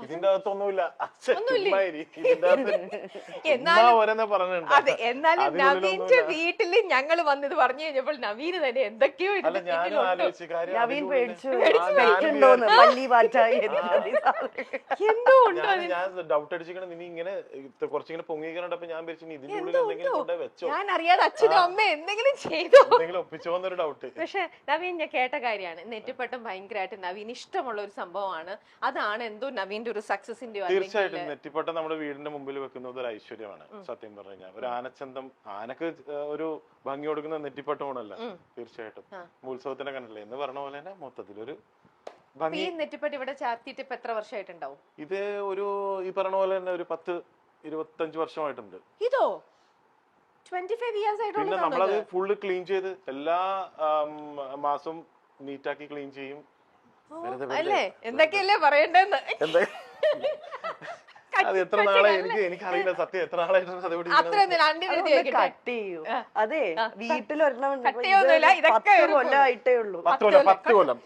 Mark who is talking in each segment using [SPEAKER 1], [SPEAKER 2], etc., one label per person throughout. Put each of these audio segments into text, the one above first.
[SPEAKER 1] ഇതിന്റെ അകത്തൊന്നുമില്ല.
[SPEAKER 2] അതെ, എന്നാലും നവീന്റെ വീട്ടില് ഞങ്ങൾ വന്നത് പറഞ്ഞു കഴിഞ്ഞപ്പോൾ നവീന് തന്നെ എന്തൊക്കെയോ
[SPEAKER 3] നവീൻ പേടിച്ചു ഉണ്ടോന്ന് പല്ലി പാറ്റായി
[SPEAKER 2] എന്തോ ഉണ്ടോ.
[SPEAKER 1] ഞാൻ ഡൗട്ട് അടിച്ചിരിക്കണം. നീ ഇങ്ങനെ കുറച്ചിങ്ങനെ പൊങ്ങിക്കണ്ടപ്പോ ഞാൻ വിചാരിച്ചു ഇതിന്റെ ഉള്ളിൽ എന്തെങ്കിലും കൊണ്ടേ വെച്ചോ.
[SPEAKER 2] ഞാൻ അറിയാതെ അച്ഛനും അമ്മ എന്തെങ്കിലും ചെയ്തോ,
[SPEAKER 1] എന്തെങ്കിലും ഒപ്പിച്ചോന്നൊരു ഡൗട്ട്.
[SPEAKER 2] പക്ഷെ നവീൻ ഞാൻ കേട്ട കാര്യമാണ്, നെറ്റിപ്പട്ടം ഭയങ്കരമായിട്ട് നവീൻ ഇഷ്ടമുള്ള ഒരു സംഭവമാണ്. അതാണ് എന്തോ നവീന്റെ ഒരു സക്സസിന്റെ.
[SPEAKER 1] തീർച്ചയായിട്ടും നെറ്റിപ്പട്ടം നമ്മുടെ വീടിന്റെ മുമ്പിൽ വെക്കുന്നത് ഒരു ഐശ്വര്യമാണ്. സത്യം പറഞ്ഞു കഴിഞ്ഞാൽ ഒരു ആനച്ചന്തം, ആനക്ക് ഒരു ഭംഗി കൊടുക്കുന്ന നെറ്റിപ്പട്ടമാണല്ല. തീർച്ചയായിട്ടും ഉത്സവത്തിനെ കണ്ടില്ലേ എന്ന് പറഞ്ഞ പോലെ തന്നെ മൊത്തത്തിലൊരു
[SPEAKER 2] ഈ നെറ്റിപ്പട്ടം ഇവിടെ ചാർത്തിയിട്ട് ഇപ്പൊ എത്ര വർഷമായിട്ടുണ്ടാവും?
[SPEAKER 1] ഇത് ഒരു ഈ പറഞ്ഞ പോലെ തന്നെ ഒരു 10-25 വർഷമായിട്ടുണ്ട്.
[SPEAKER 2] ഇതോ 25 years ആയിട്ടുള്ള.
[SPEAKER 1] പിന്നെ നമ്മളത് ഫുള്ള് ക്ലീൻ ചെയ്ത് എല്ലാ മാസവും നീറ്റാക്കി ക്ലീൻ ചെയ്യും.
[SPEAKER 2] അല്ലേ എന്തൊക്കെയല്ലേ പറയണ്ടെന്ന്.
[SPEAKER 1] അത് എത്ര നാളെ എനിക്കറിയില്ല സത്യം, എത്ര നാളായിട്ടാണ്
[SPEAKER 3] കട്ട് ചെയ്യൂ. അതെ, വീട്ടിലൊരെണ്ണം കൊല്ലമായിട്ടേ ഉള്ളൂ.
[SPEAKER 1] 10 കൊല്ലം.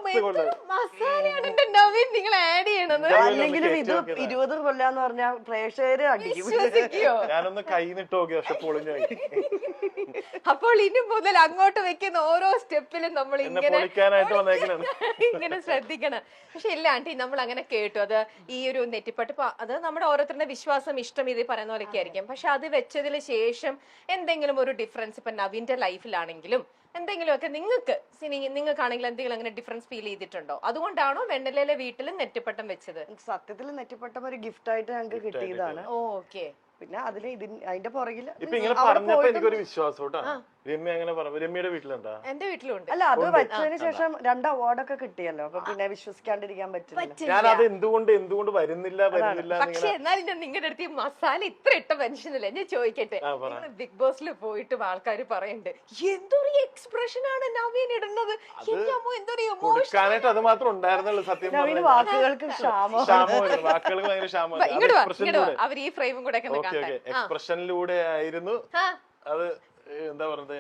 [SPEAKER 2] നിങ്ങൾ ആഡ് ചെയ്യണത്.
[SPEAKER 3] അല്ലെങ്കിലും ഇത് 20 കൊല്ലാന്ന് പറഞ്ഞാൽ പ്രേക്ഷകര് അടിക്കും.
[SPEAKER 1] ഞാനൊന്ന് കൈന്നിട്ട് നോക്കി, പക്ഷെ പൊളിഞ്ഞായി.
[SPEAKER 2] അപ്പോൾ ഇനി മുതൽ അങ്ങോട്ട് വെക്കുന്ന ഓരോ സ്റ്റെപ്പിലും നമ്മൾ ഇങ്ങനെ ശ്രദ്ധിക്കണം. പക്ഷെ ഇല്ല ആന്റി, നമ്മൾ അങ്ങനെ കേട്ടു. അത് ഈ ഒരു നെറ്റിപ്പട്ട് അത് നമ്മുടെ ഓരോരുത്തരുടെ വിശ്വാസം, ഇഷ്ടം, ഇത് പറയുന്ന പോലെയൊക്കെ ആയിരിക്കും. പക്ഷെ അത് വെച്ചതിന് ശേഷം എന്തെങ്കിലും ഒരു ഡിഫറൻസ് ഇപ്പൊ നവീന്റെ ലൈഫിലാണെങ്കിലും എന്തെങ്കിലുമൊക്കെ നിങ്ങൾക്കാണെങ്കിൽ എന്തെങ്കിലും അങ്ങനെ ഡിഫറൻസ് ഫീൽ ചെയ്തിട്ടുണ്ടോ? അതുകൊണ്ടാണോ വെണ്ണലയിലെ വീട്ടിൽ നെറ്റിപ്പട്ടം വെച്ചത്?
[SPEAKER 3] സത്യത്തിൽ നെറ്റിപ്പട്ടം ഒരു ഗിഫ്റ്റ് ആയിട്ട് ഞങ്ങൾക്ക് കിട്ടിയതാണ്.
[SPEAKER 2] ഓക്കെ.
[SPEAKER 3] പിന്നെ അതില് അതിന്റെ പുറകില്
[SPEAKER 1] ഇപ്പൊ ഇങ്ങനെ പറഞ്ഞപ്പോ എനിക്കൊരു വിശ്വാസം കേട്ടോ. രമ്യ അങ്ങനെ പറഞ്ഞു. രമ്യയുടെ വീട്ടിലുണ്ടാ?
[SPEAKER 2] എന്റെ വീട്ടിലുണ്ട്.
[SPEAKER 3] അല്ല, അത് വെച്ചതിന് ശേഷം 2 അവാർഡൊക്കെ കിട്ടിയല്ലോ. അപ്പൊ പിന്നെ വിശ്വസിക്കാണ്ടിരിക്കാൻ പറ്റില്ല.
[SPEAKER 1] ഞാൻ അത് എന്തുകൊണ്ട് വരുന്നില്ല.
[SPEAKER 2] പക്ഷെ എന്നാലും ഞാൻ നിങ്ങളുടെ അടുത്ത് മസാല ഇത്ര ഇട്ട മനുഷ്യനല്ലേ, ഞാൻ ചോദിക്കട്ടെ. ബിഗ് ബോസിൽ പോയിട്ട് ആൾക്കാർ പറയുന്നുണ്ട് എന്തൊരു എക്സ്പ്രഷൻ ആണ് നവീൻ ഇടുന്നത്,
[SPEAKER 1] കൊടുക്കാനായിട്ട് അത് മാത്രം ഉണ്ടായിരുന്നുള്ളൂ. സത്യം
[SPEAKER 3] വാക്കുകൾക്ക്
[SPEAKER 1] വാക്കുകൾക്ക് ഭയങ്കര ക്ഷാമം.
[SPEAKER 2] അവർ ഈ ഫ്രെയിമും കൂടെ
[SPEAKER 1] എക്സ്പ്രഷനിലൂടെ ആയിരുന്നു അത്. എന്താ പറഞ്ഞത്,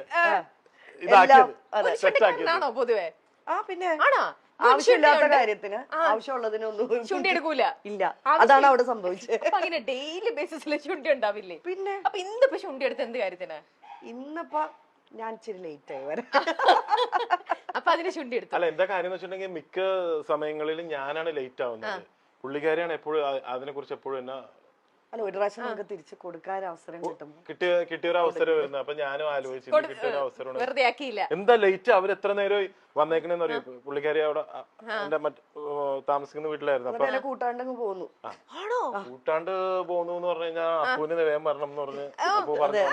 [SPEAKER 2] ആണോ പൊതുവെ?
[SPEAKER 3] പിന്നെ ആവശ്യമില്ലാത്ത കാര്യത്തിന് ആവശ്യമുള്ളതിനൊന്നും
[SPEAKER 2] ചുണ്ടി എടുക്കൂല.
[SPEAKER 3] ഇല്ല, അതാണ് അവിടെ സംഭവിച്ചത്.
[SPEAKER 2] അങ്ങനെ ഡെയിലി ബേസിസിൽ ചുണ്ടി ഉണ്ടാവില്ലേ?
[SPEAKER 3] പിന്നെ
[SPEAKER 2] അപ്പൊ ഇന്നിപ്പോ ചുണ്ടി എടുത്ത് എന്ത് കാര്യത്തിന്?
[SPEAKER 3] ഇന്നിപ്പോ ഞാൻ ഇച്ചിരി ലേറ്റ് ആയി വരാം.
[SPEAKER 2] അപ്പൊ അതിന് ചുണ്ടി എടുത്തു.
[SPEAKER 1] അല്ല, എന്താ കാര്യം എന്ന് വെച്ചിട്ടുണ്ടെങ്കിൽ മിക്ക സമയങ്ങളിലും ഞാനാണ് ലേറ്റ് ആവുന്നത്. പുള്ളിക്കാരിയാണ് എപ്പോഴും അതിനെ കുറിച്ച് എപ്പോഴും എന്നാ.
[SPEAKER 3] അല്ല, ഒരു പ്രാവശ്യം നമുക്ക് തിരിച്ചു കൊടുക്കാൻ അവസരം കിട്ടും.
[SPEAKER 1] കിട്ടിയൊരു അവസരം വരുന്നത്. അപ്പൊ ഞാനും ആലോചിച്ചു കിട്ടിയൊരു അവസരം
[SPEAKER 2] വെറുതെ ആക്കിയില്ല.
[SPEAKER 1] എന്താ ലേറ്റ്, അവർ എത്ര നേരം വന്നേക്കണെന്ന് അറിയോ? പുള്ളിക്കാരി അവിടെ എന്റെ താമസിക്കുന്ന വീട്ടിലായിരുന്നു. അപ്പൊ
[SPEAKER 3] കൂട്ടാണ്ട് പോകുന്നു.
[SPEAKER 1] കൂട്ടാണ്ട് പോകുന്നു എന്ന് പറഞ്ഞു കഴിഞ്ഞാൽ അപ്പൂന് വേഗം വരണം എന്ന് പറഞ്ഞ് അപ്പൂ പറഞ്ഞു.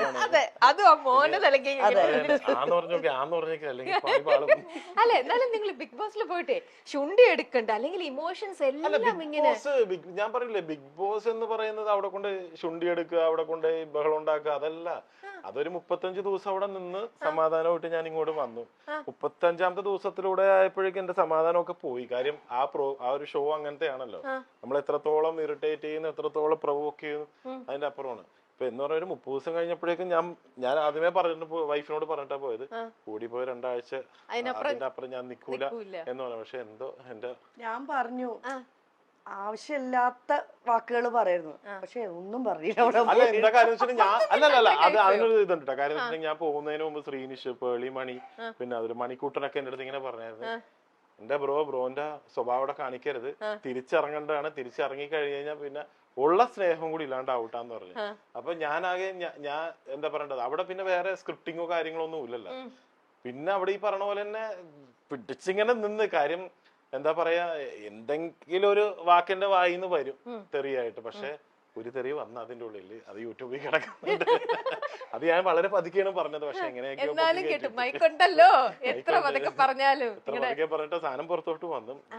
[SPEAKER 2] അല്ല, എന്നാലും നിങ്ങൾ ബിഗ് ബോസിൽ പോയിട്ടേ ചുണ്ടി എടുക്കണ്ട, അല്ലെങ്കിൽ ഇമോഷൻസ് എല്ലാം ഇങ്ങനെ.
[SPEAKER 1] ഞാൻ പറയില്ലേ, ബിഗ് ബോസ് എന്ന് പറയുന്നത് അവിടെ കൊണ്ട് ചുണ്ടി എടുക്കുക, അവിടെ കൊണ്ട് ബഹളം ഉണ്ടാക്കുക, അതല്ല. അതൊരു 35 ദിവസം അവിടെ നിന്ന് സമാധാനമായിട്ട് ഞാൻ ഇങ്ങോട്ട് വന്നു. 35ാമത്തെ ദിവസത്തിലൂടെ ആയപ്പോഴേക്കും എന്റെ സമാധാനമൊക്കെ പോയി. കാര്യം ആ ഒരു ഷോ അങ്ങനത്തെ ആണല്ലോ. നമ്മൾ എത്രത്തോളം ഇറിറ്റേറ്റ് ചെയ്യുന്നു, എത്രത്തോളം പ്രൊവോക്ക് ചെയ്യുന്നു, അതിന്റെ അപ്പുറമാണ്. ഇപ്പൊ എന്ന് പറഞ്ഞ ഒരു 30 ദിവസം കഴിഞ്ഞപ്പോഴേക്കും ഞാൻ ആദ്യമേ വൈഫിനോട് പറഞ്ഞിട്ടാ പോയത്, കൂടിപ്പോയി 2 ആഴ്ച അതിന്റെ അപ്പുറം ഞാൻ നിക്കൂല എന്ന് പറഞ്ഞു. പക്ഷെ എന്തോ
[SPEAKER 3] ഞാൻ പറഞ്ഞു ആവശ്യമില്ലാത്ത വാക്കുകൾ പറയുന്നു, പക്ഷെ ഒന്നും പറഞ്ഞില്ല.
[SPEAKER 1] അല്ല, എന്താ കാര്യം വെച്ചിട്ട് അല്ലല്ല അത് അതിനൊരു ഇതുണ്ട്. കാര്യം വെച്ചിട്ടുണ്ടെങ്കിൽ ഞാൻ പോകുന്നതിന് മുമ്പ് ശ്രീനിഷ്, പേളി മണി, പിന്നെ അതൊരു മണിക്കൂട്ടനൊക്കെ എന്റെ അടുത്ത് ഇങ്ങനെ പറഞ്ഞായിരുന്നു, എന്റെ ബ്രോന്റെ സ്വഭാവം അവിടെ കാണിക്കരുത്, തിരിച്ചിറങ്ങേണ്ടതാണ്, തിരിച്ചിറങ്ങി കഴിഞ്ഞ് കഴിഞ്ഞാൽ പിന്നെ ഉള്ള സ്നേഹം കൂടി ഇല്ലാണ്ട് ഔട്ടാന്ന് പറഞ്ഞു. അപ്പൊ ഞാനാകെ ഞാൻ എന്താ പറയേണ്ടത്, അവിടെ പിന്നെ വേറെ സ്ക്രിപ്റ്റിങ്ങോ കാര്യങ്ങളോ ഒന്നും ഇല്ലല്ലോ. പിന്നെ അവിടെ ഈ പറഞ്ഞ പോലെ തന്നെ പിടിച്ചിങ്ങനെ നിന്ന് കാര്യം എന്താ പറയാ, എന്തെങ്കിലും ഒരു വാക്കിന്റെ വായിന്ന് വരും തെറിയായിട്ട്. പക്ഷെ ഒരു തെറി വന്ന അതിന്റെ ഉള്ളിൽ അത് യൂട്യൂബിൽ കിടക്കുന്നുണ്ട്. അത് ഞാൻ വളരെ പതുക്കെയാണ് പറഞ്ഞത്. പക്ഷെ എങ്ങനെയൊക്കെയോ
[SPEAKER 2] എത്ര പതുക്കെ പറഞ്ഞിട്ട് സാധനം പുറത്തോട്ട് വന്നു.